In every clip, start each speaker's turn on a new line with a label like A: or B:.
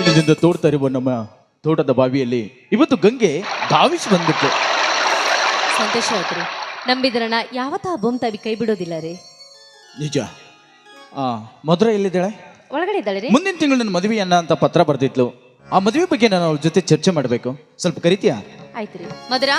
A: ದಿನದಿಂದ ತೋಡ್ತಾ ಇರುವ ನಮ್ಮ ತೋಟದ ಬಾವಿಯಲ್ಲಿ ಇವತ್ತು ಗಂಗೆ ಧಾವಿಸಿ ಬಂದ್ಬಿಟ್ಲು.
B: ಸಂತೋಷ ಆಯ್ತು. ನಂಬಿದ್ರಣ ಯಾವತ್ತ ಬೊಂತಾವಿ ಕೈ ಬಿಡೋದಿಲ್ಲ ರೀ.
A: ನಿಜ. ಮಧುರ ಎಲ್ಲಿದ್ದಾಳೆ?
B: ಒಳಗಡೆ ಇದ್ದಾಳೆ ರೀ.
A: ಮುಂದಿನ ತಿಂಗಳು ನನ್ನ ಮದುವೆಯನ್ನ ಅಂತ ಪತ್ರ ಬರ್ದಿದ್ಲು. ಆ ಮದುವೆ ಬಗ್ಗೆ ನಾನು ಅವ್ರ ಜೊತೆ ಚರ್ಚೆ ಮಾಡಬೇಕು. ಸ್ವಲ್ಪ ಕರಿತೀಯಾ?
B: ಆಯ್ತು ರೀ. ಮಧುರಾ,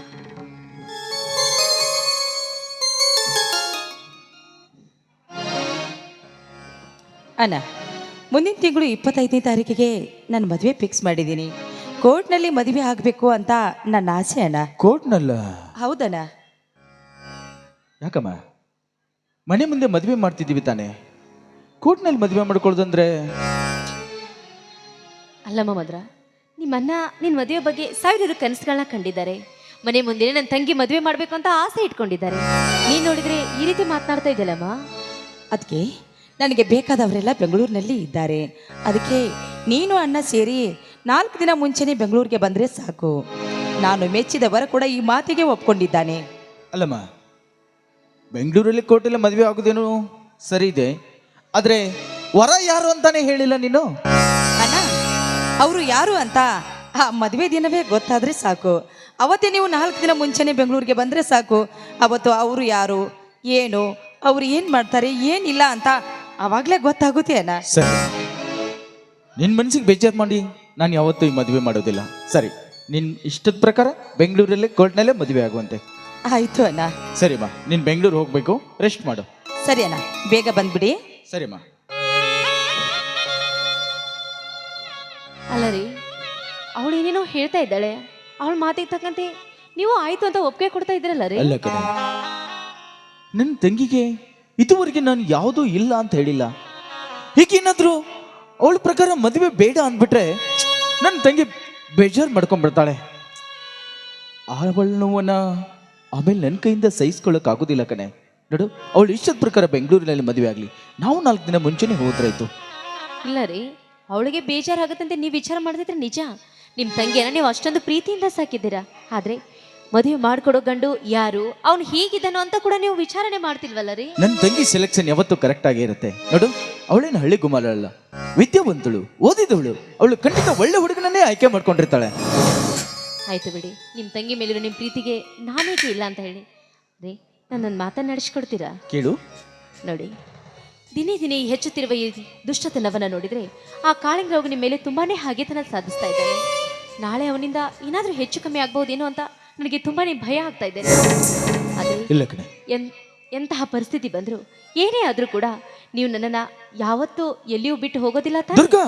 C: ಅಣ್ಣ, ಮುಂದಿನ ತಿಂಗಳು 25ನೇ ತಾರೀಕಿಗೆ ನಾನು ಮದುವೆ ಫಿಕ್ಸ್ ಮಾಡಿದ್ದೀನಿ. ಕೋರ್ಟ್ನಲ್ಲಿ ಮದುವೆ ಆಗಬೇಕು ಅಂತ ನನ್ನ ಆಸೆ ಅಣ್ಣ.
A: ಕೋರ್ಟ್ನಲ್ಲ?
C: ಹೌದಣ್ಣ.
A: ಯಾಕಮ್ಮ ಮನೆ ಮುಂದೆ ಮದುವೆ ಮಾಡ್ತಿದ್ದೀವಿ ತಾನೆ, ಕೋರ್ಟ್ನಲ್ಲಿ ಮದುವೆ ಮಾಡ್ಕೊಳ್ಳೋದಂದ್ರೆ?
B: ಅಲ್ಲಮ್ಮ ಮಧುರಾ, ನಿಮ್ಮನ್ನ ನಿನ್ನ ಮದುವೆ ಬಗ್ಗೆ ಸಾವಿರಾರು ಕನಸುಗಳನ್ನ ಕಂಡಿದ್ದಾರೆ. ಮನೆ ಮುಂದೆ ನನ್ನ ತಂಗಿ ಮದುವೆ ಮಾಡಬೇಕು ಅಂತ ಆಸೆ ಇಟ್ಕೊಂಡಿದ್ದಾರೆ. ನೀನು ನೋಡಿದ್ರೆ ಈ ರೀತಿ ಮಾತನಾಡ್ತಾ ಇದ್ದಲ್ಲಮ್ಮ.
C: ಅದಕ್ಕೆ ನನಗೆ ಬೇಕಾದವರೆಲ್ಲ ಬೆಂಗಳೂರಿನಲ್ಲಿ ಇದ್ದಾರೆ. ಅದಕ್ಕೆ ನೀನು ಅಣ್ಣ ಸೇರಿ 4 ದಿನ ಮುಂಚೆನೇ ಬೆಂಗಳೂರಿಗೆ ಬಂದರೆ ಸಾಕು. ನಾನು ಮೆಚ್ಚಿದವರ ಕೂಡ ಈ ಮಾತಿಗೆ ಒಪ್ಕೊಂಡಿದ್ದಾನೆ.
A: ಅಲ್ಲಮ್ಮ, ಬೆಂಗಳೂರಲ್ಲಿ ಕೋರ್ಟಲ್ಲಿ ಮದುವೆ ಆಗೋದೇನು ಸರಿ ಇದೆ, ಆದರೆ ವರ ಯಾರು ಅಂತಾನೆ ಹೇಳಿಲ್ಲ ನೀನು.
C: ಅಣ್ಣ, ಅವರು ಯಾರು ಅಂತ ಆ ಮದುವೆ ದಿನವೇ ಗೊತ್ತಾದರೆ ಸಾಕು. ಅವತ್ತೇ ನೀವು 4 ದಿನ ಮುಂಚೆನೇ ಬೆಂಗಳೂರಿಗೆ ಬಂದರೆ ಸಾಕು. ಅವತ್ತು ಅವರು ಯಾರು, ಏನು, ಅವರು ಏನು ಮಾಡ್ತಾರೆ, ಏನಿಲ್ಲ ಅಂತ ಆವಾಗಲೇ ಗೊತ್ತಾಗುತ್ತೆ ಅಣ್ಣ.
A: ಸರಿ, ನಿನ್ನ ಮನಸ್ಸಿಗೆ ಬೇಜಾರು ಮಾಡಿ ನಾನು ಯಾವತ್ತೂ ಈ ಮದುವೆ ಮಾಡೋದಿಲ್ಲ. ಸರಿ, ನಿನ್ನ ಇಷ್ಟದ ಪ್ರಕಾರ ಬೆಂಗಳೂರಲ್ಲೇ ಕೋರ್ಟ್ನಲ್ಲೇ ಮದುವೆ ಆಗುವಂತೆ.
C: ಆಯಿತು ಅಣ್ಣ.
A: ಸರಿಮ್ಮ, ನೀನು ಬೆಂಗಳೂರು ಹೋಗಬೇಕು, ರೆಸ್ಟ್ ಮಾಡು.
C: ಸರಿ ಅಣ್ಣ, ಬೇಗ ಬಂದ್ಬಿಡಿ.
A: ಸರಿಮ್ಮ.
B: ಅಲ್ಲ ರೀ, ಅವಳು ಏನೇನೋ ಹೇಳ್ತಾ ಇದ್ದಾಳೆ. ಅವಳ ಮಾತಿಗೆ ತಕ್ಕಂತೆ ನೀವು ಆಯ್ತು ಅಂತ ಒಪ್ಪಿಗೆ ಕೊಡ್ತಾ ಇದ್ರಲ್ಲ ರೀ.
A: ಅಲ್ಲ ಕಣ, ನನ್ನ ತಂಗಿಗೆ ಇದುವರೆಗೆ ನಾನು ಯಾವುದೂ ಇಲ್ಲ ಅಂತ ಹೇಳಿಲ್ಲ. ಹೀಗೇನಾದರೂ ಅವಳ ಪ್ರಕಾರ ಮದುವೆ ಬೇಡ ಅಂದ್ಬಿಟ್ರೆ ನನ್ನ ತಂಗಿ ಬೇಜಾರು ಮಾಡ್ಕೊಂಡ್ಬಿಡ್ತಾಳೆ. ಅವಳ ನೋವನ್ನ ಆಮೇಲೆ ನನ್ನ ಕೈಯಿಂದ ಸಹಿಸ್ಕೊಳ್ಳೋಕ್ಕಾಗೋದಿಲ್ಲ ಕಣೆ. ನೋಡು, ಅವಳು ಇಷ್ಟದ ಪ್ರಕಾರ ಬೆಂಗಳೂರಿನಲ್ಲಿ ಮದುವೆ ಆಗಲಿ, ನಾವು 4 ದಿನ ಮುಂಚೆನೇ ಹೋದ್ರಾಯ್ತು.
B: ಇಲ್ಲ ರೀ, ಅವಳಿಗೆ ಬೇಜಾರಾಗತ್ತಂತೆ ನೀವು ವಿಚಾರ ಮಾಡಿದ್ರೆ ನಿಜ. ನಿಮ್ಮ ತಂಗಿಯನ್ನ ನೀವು ಅಷ್ಟೊಂದು ಪ್ರೀತಿಯಿಂದ ಸಾಕಿದ್ದೀರಾ. ಆದರೆ ಮದುವೆ ಮಾಡ್ಕೊಡೋ ಗಂಡು ಯಾರು, ಅವನು ಹೀಗಿದ್ದಾನೋ ಅಂತ ಕೂಡ ನೀವು ವಿಚಾರಣೆ ಮಾಡ್ತಿಲ್ವಲ್ಲ ರೀ.
A: ನನ್ನ ತಂಗಿ ಸೆಲೆಕ್ಷನ್ ಯಾವತ್ತೂ ಕರೆಕ್ಟ್ ಆಗೇ ಇರುತ್ತೆ. ನೋಡು, ಅವಳೇನು ಹಳ್ಳಿ ಗುಮಾರಲ್ಲ, ವಿದ್ಯಾವಂತಳು, ಓದಿದವಳು. ಅವಳು ಖಂಡಿತ ಒಳ್ಳೆ ಹುಡುಗನನ್ನೇ ಆಯ್ಕೆ ಮಾಡ್ಕೊಂಡಿರ್ತಾಳೆ.
B: ಆಯ್ತು ಬಿಡಿ, ನಿಮ್ಮ ತಂಗಿ ಮೇಲಿರೋ ನಿಮ್ಮ ಪ್ರೀತಿಗೆ ನಾನೇಕೆ ಇಲ್ಲ ಅಂತ ಹೇಳಿ ರೀ. ನನ್ನೊಂದು ಮಾತನ್ನು ನಡೆಸ್ಕೊಡ್ತೀರಾ?
A: ಕೇಳು.
B: ನೋಡಿ, ದಿನೇ ದಿನೇ ಹೆಚ್ಚುತ್ತಿರುವ ಈ ದುಷ್ಟತನವನ್ನು ನೋಡಿದರೆ ಆ ಕಾಳಿಂಗರಾವ್ ನಿಮ್ಮ ಮೇಲೆ ತುಂಬಾನೇ ಹಾಗೆತನ ಸಾಧಿಸ್ತಾ ಇದ್ದಾನೆ. ನಾಳೆ ಅವನಿಂದ ಏನಾದರೂ ಹೆಚ್ಚು ಕಮ್ಮಿ ಆಗ್ಬಹುದೇನೋ ಅಂತ ನನಗೆ ತುಂಬಾನೇ ಭಯ ಆಗ್ತಾ ಇದೆ. ಅದೇ
A: ಇಲ್ಲ ಕಣೆ,
B: ಎಂತಹ ಪರಿಸ್ಥಿತಿ ಬಂದರೂ ಏನೇ ಆದರೂ ಕೂಡ ನೀವು ನನ್ನನ್ನು ಯಾವತ್ತೂ ಎಲ್ಲಿಯೂ ಬಿಟ್ಟು ಹೋಗೋದಿಲ್ಲ ತಾನೆ?
A: ದುರ್ಗಾ,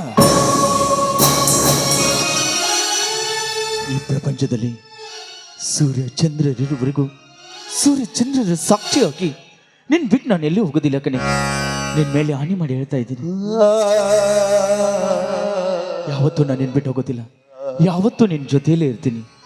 A: ಈ ಪ್ರಪಂಚದಲ್ಲಿ ಸೂರ್ಯ ಚಂದ್ರರಿರುವವರೆಗೂ ಸೂರ್ಯ ಚಂದ್ರರ ಸಾಕ್ಷಿ ಹಾಕಿ ನಿನ್ ಬಿಟ್ಟು ನಾನು ಎಲ್ಲಿ ಹೋಗೋದಿಲ್ಲ ಕಣೆ. ನಿನ್ ಮೇಲೆ ಹಾನಿ ಮಾಡಿ ಹೇಳ್ತಾ ಇದ್ದೀನಿ. ಯಾವತ್ತೂ ನಾನು ನಿನ್ ಬಿಟ್ಟು ಹೋಗೋದಿಲ್ಲ, ಯಾವತ್ತೂ ನಿನ್ ಜೊತೆಯಲ್ಲೇ ಇರ್ತೀನಿ.